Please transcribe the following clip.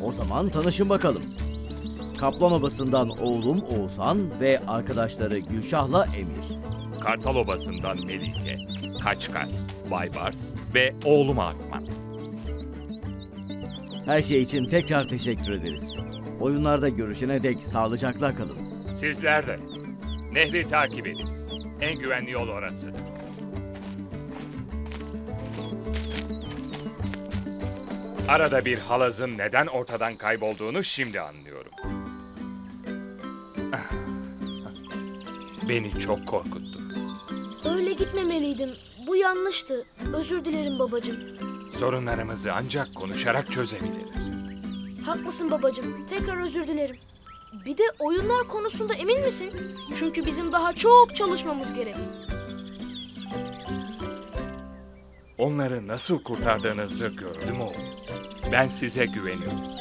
O zaman tanışın bakalım. Kaplan Obası'ndan oğlum Oğuzhan ve arkadaşları Gülşah'la Emir. Kartal Obası'ndan Melike, Kaçkar, Baybars ve oğlum Akman. Her şey için tekrar teşekkür ederiz. Oyunlarda görüşene dek sağlıcakla kalın. Sizler de. Nehri takip edin. En güvenli yol orası. Arada bir halazın neden ortadan kaybolduğunu şimdi anlıyorum. Beni çok korkuttu. Öyle gitmemeliydim. Bu yanlıştı. Özür dilerim babacığım. Sorunlarımızı ancak konuşarak çözebiliriz. Haklısın babacığım. Tekrar özür dilerim. Bir de oyunlar konusunda emin misin? Çünkü bizim daha çok çalışmamız gerek. Onları nasıl kurtardığınızı gördüm oğlum. Ben size güveniyorum.